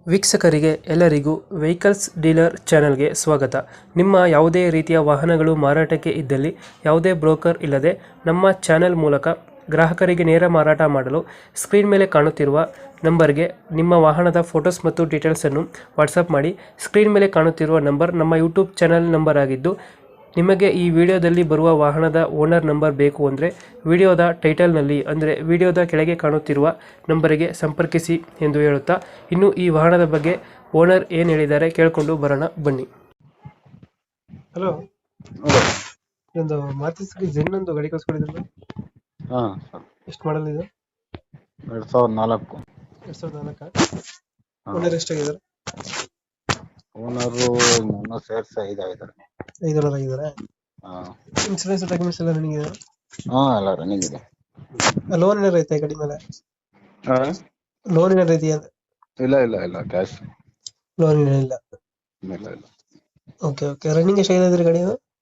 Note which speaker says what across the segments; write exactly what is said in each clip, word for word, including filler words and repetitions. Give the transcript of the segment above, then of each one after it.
Speaker 1: ವೀಕ್ಷಕರಿಗೆ ಎಲ್ಲರಿಗೂ vehicles dealer ಚಾನೆಲ್ಗೆ ಸ್ವಾಗತ. ನಿಮ್ಮ ಯಾವುದೇ ರೀತಿಯ ವಾಹನಗಳು ಮಾರಾಟಕ್ಕೆ ಇದ್ದಲ್ಲಿ ಯಾವುದೇ ಬ್ರೋಕರ್ ಇಲ್ಲದೆ ನಮ್ಮ ಚಾನೆಲ್ ಮೂಲಕ ಗ್ರಾಹಕರಿಗೆ ನೇರ ಮಾರಾಟ ಮಾಡಲು ಸ್ಕ್ರೀನ್ ಮೇಲೆ ಕಾಣುತ್ತಿರುವ ನಂಬರ್ಗೆ ನಿಮ್ಮ ವಾಹನದ ಫೋಟೋಸ್ ಮತ್ತು ಡೀಟೇಲ್ಸನ್ನು ವಾಟ್ಸಪ್ ಮಾಡಿ. ಸ್ಕ್ರೀನ್ ಮೇಲೆ ಕಾಣುತ್ತಿರುವ ನಂಬರ್ ನಮ್ಮ ಯೂಟ್ಯೂಬ್ ಚಾನೆಲ್ ನಂಬರ್ ಆಗಿದ್ದು, ನಿಮಗೆ ಈ ವಿಡಿಯೋದಲ್ಲಿ ಬರುವ ವಾಹನದ ಓನರ್ ನಂಬರ್ ಬೇಕು ಅಂದರೆ ವಿಡಿಯೋದ ಟೈಟಲ್ನಲ್ಲಿ ಅಂದರೆ ವಿಡಿಯೋದ ಕೆಳಗೆ ಕಾಣುತ್ತಿರುವ ನಂಬರಿಗೆ ಸಂಪರ್ಕಿಸಿ ಎಂದು ಹೇಳುತ್ತಾ, ಇನ್ನು ಈ ವಾಹನದ ಬಗ್ಗೆ ಓನರ್ ಏನು ಹೇಳಿದ್ದಾರೆ ಕೇಳಿಕೊಂಡು ಬರೋಣ ಬನ್ನಿ. ಹಲೋ, ಒಂದು ಮಾರುತಿ ಸುಜುಕಿ ಝೆನ್ ಒಂದು ಗಾಡಿ ಕಳಿಸ್ಕೊಡಿದ್ರಲ್ಲ,
Speaker 2: ಹಾ
Speaker 1: ಎಷ್ಟು ಮಾಡಲ್ ಇದು?
Speaker 2: ಎರಡ್ ಸಾವಿರದ ನಾಲ್ಕು
Speaker 1: ಎರಡ್ ಸಾವಿರದ ನಾಲ್ಕ ಓನರ್ ಎಷ್ಟಾಗಿದ್ದಾರೆ?
Speaker 2: ಓನರು ನನ್ನ ಸೇರ್ಸಿ ಐದಾಗಿದ್ದಾರೆ.
Speaker 1: ಐದು ಓನರ್ ಆಗಿದ್ದಾರೆ.
Speaker 2: ಹಾ
Speaker 1: ಇನ್ಸೂರೆನ್ಸ್ ಡಾಕ್ಯುಮೆಂಟ್ಸ್ ಎಲ್ಲ ರನ್ನಿಂಗ್ ಇದೆ?
Speaker 2: ಹಾ ಎಲ್ಲ ರನ್ನಿಂಗ್ ಇದೆ.
Speaker 1: ಲೋನ್ ಏನಾರು ಐತೆ ಗಾಡಿ ಮೇಲೆ?
Speaker 2: ಹಾ
Speaker 1: ಲೋನ್ ಏನಾರು ಇದೆಯಾ?
Speaker 2: ಇಲ್ಲ ಇಲ್ಲ ಇಲ್ಲ ಕ್ಯಾಶ್
Speaker 1: ಲೋನ್ ಏನಿಲ್ಲ.
Speaker 2: ಇಲ್ಲ ಇಲ್ಲ.
Speaker 1: ಓಕೆ ಓಕೆ ರನ್ನಿಂಗ್ ಎಷ್ಟಾಗಿದೆ ಗಾಡಿ?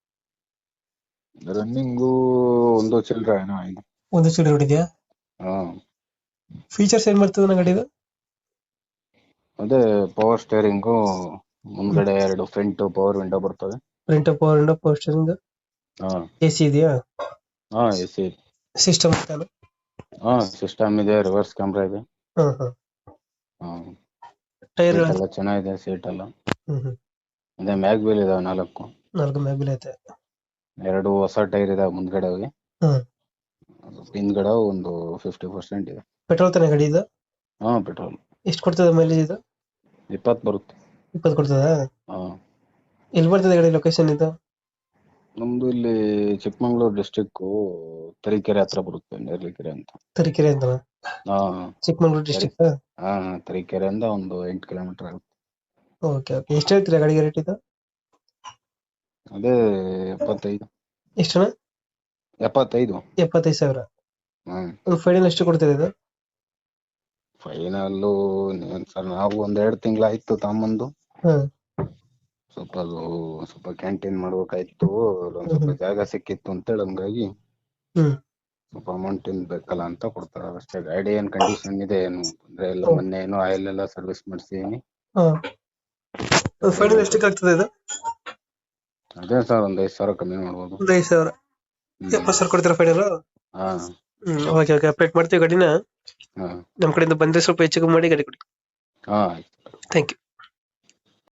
Speaker 2: ರನ್ನಿಂಗು ಒಂದು ಚಿಲ್ಲರೆ ಏನೋ ಆಗಿದೆ.
Speaker 1: ಒಂದು ಚಿಲ್ಲರೆ ಹೊಡಿದ್ಯಾ?
Speaker 2: ಹಾ
Speaker 1: ಫೀಚರ್ಸ್ ಏನ್ ಬರ್ತದೆ ನನ್ನ ಗಾಡಿದು?
Speaker 2: ಅದೇ ಪವರ್ ಸ್ಟೇರಿಂಗು, ಮುಂದ್ಗಡೆ ಎರಡು ಫ್ರಂಟ್ ಪವರ್ ವಿಂಡೋ ಬರ್ತವೆ.
Speaker 1: Front power window, power steering,
Speaker 2: ಹಾ
Speaker 1: ಎಸಿ ಇದೆಯಾ?
Speaker 2: ಹಾ ಎಸಿ
Speaker 1: ಸಿಸ್ಟಮ್
Speaker 2: ಹಾ ಸಿಸ್ಟಮ್ ಇದೆ, ರಿವರ್ಸ್ ಕ್ಯಾಮ್ರಾ ಇದೆ.
Speaker 1: ಹಾ ಹಾ
Speaker 2: ಹಾ
Speaker 1: ಟೈರ್
Speaker 2: ಸೀಟ್ ಎಲ್ಲ ಚೆನ್ನಾಗಿದೆ, ಸೀಟ್ ಎಲ್ಲ.
Speaker 1: ಹ್ಮ್ ಹ್ಮ್
Speaker 2: ಅದೇ ಮ್ಯಾಗ್ ವೀಲ್ ಇದಾವೆ ನಾಲ್ಕು.
Speaker 1: ನಾಲ್ಕು ಮ್ಯಾಗ್ಬಿಲ್ ಐತೆ.
Speaker 2: ಎರಡು ಹೊಸ ಟೈರ್ ಇದಾವೆ ಮುಂದ್ಗಡೆ ಹೋಗಿ.
Speaker 1: ಹ್ಮ್
Speaker 2: ಹಿಂದ್ಗಡೆ ಒಂದು ಫಿಫ್ಟಿ ಪರ್ಸೆಂಟ್ ಇದೆ.
Speaker 1: ಪೆಟ್ರೋಲ್ ತಾನೇ ಗಾಡಿ ಇದು?
Speaker 2: ಹಾ ಪೆಟ್ರೋಲ್.
Speaker 1: ಎಷ್ಟು ಕೊಡ್ತದೆ ಮೈಲೇಜ್ ಇದು?
Speaker 2: ಇಪ್ಪತ್ತು ಬರುತ್ತೆ.
Speaker 1: ಇಪ್ಪತ್ತು ಕೊಡ್ತದ?
Speaker 2: ಹಾ
Speaker 1: ಎಲ್ಲಿ ಬರ್ತದೆ ಗಾಡಿ ಲೊಕೇಶನ್ ಇದು?
Speaker 2: ನಮ್ದು ಇಲ್ಲಿ ಚಿಕ್ಕಮಂಗ್ಳೂರು ಡಿಸ್ಟಿಕ್ ತರೀಕೆರೆ ಹತ್ರ ಬರುತ್ತೆ, ನೇರ್ಲಿಕೆರೆ ಅಂತ.
Speaker 1: ತರೀಕೆರೆ ಅಂತ?
Speaker 2: ಹಾ
Speaker 1: ಚಿಕ್ಕಮಂಗ್ಳೂರು ಡಿಸ್ಟಿಕ್.
Speaker 2: ಹಾ ತರೀಕೆರೆಯಿಂದ ಒಂದು ಎಂಟು ಕಿಲೋಮೀಟರ್ ಆಗುತ್ತೆ.
Speaker 1: ಓಕೆ ಓಕೆ ಎಷ್ಟು ಹೇಳ್ತೀರಾ ಗಾಡಿಗೆ ರೇಟ್ ಇದು?
Speaker 2: ಅದೇ ಎಪ್ಪತ್ತೈದು.
Speaker 1: ಎಷ್ಟು?
Speaker 2: ಎಪ್ಪತ್ತೈದು.
Speaker 1: ಎಪ್ಪತ್ತೈದು ಸಾವಿರ.
Speaker 2: ಹ್ಮ್
Speaker 1: ಫೈನಲ್ ಎಷ್ಟು ಕೊಡ್ತೀರಾ ಇದು?
Speaker 2: ಫೈನಲ್ಲು ಸರ್ ನಾವು ಒಂದ್ ಎರಡು ತಿಂಗಳಾಯ್ತು ತಗೊಂಬಂದು.
Speaker 1: ಹ್ಮ್
Speaker 2: ಸ್ವಲ್ಪ ಅದು ಸ್ವಲ್ಪ ಕ್ಯಾಂಟೀನ್ ಮಾಡ್ಬೇಕಾಯ್ತು, ಒಂದ್ ಸ್ವಲ್ಪ ಜಾಗ ಸಿಕ್ಕಿತ್ತು ಅಂತೇಳಿ, ಹಂಗಾಗಿ
Speaker 1: ಹ್ಮ್
Speaker 2: ಸ್ವಲ್ಪ ಅಮೌಂಟ್ ಏನ್ ಬೇಕಲ್ಲ ಅಂತ ಕೊಡ್ತಾರೆ ಅಷ್ಟೇ. ಗಾಡಿ ಏನ್ ಕಂಡೀಷನ್ ಇದೆ, ಏನು ಅಂದ್ರೆ ಎಲ್ಲ ಮೊನ್ನೆ ಏನೋ ಆಯಿಲ್ ಎಲ್ಲ ಸರ್ವಿಸ್ ಮಾಡಿಸಿದೀನಿ.
Speaker 1: ಫೈನಲ್ ಎಷ್ಟಕ್ಕೆ ಆಗ್ತದೆ ಇದು?
Speaker 2: ಅದೇ ಸರ್ ಒಂದ್ ಐದು ಸಾವಿರ ಕಮ್ಮಿ ಮಾಡ್ಬೋದು.
Speaker 1: ಒಂದು ಐದು ಸಾವಿರ. ಎಪ್ಪತ್ತು ಸಾವಿರ ಕೊಡ್ತೀರಾ ಫೈನಲ್?
Speaker 2: ಹಾ
Speaker 1: ಹ್ಮ್ ಓಕೆ ಓಕೆ ಅಪ್ಡೇಟ್ ಮಾಡ್ತೀವಿ ಗಾಡಿನ.
Speaker 2: ಹಾ
Speaker 1: ನಮ್ಮ ಕಡೆಯಿಂದ ಬಂದ್ರೆ ಸ್ವಲ್ಪ ಹೆಚ್ಚು ಕಮ್ಮಿ ಮಾಡಿ ಗಾಡಿ ಕೊಡಿ.
Speaker 2: ಹಾ ಆಯ್ತು.
Speaker 1: Thank you.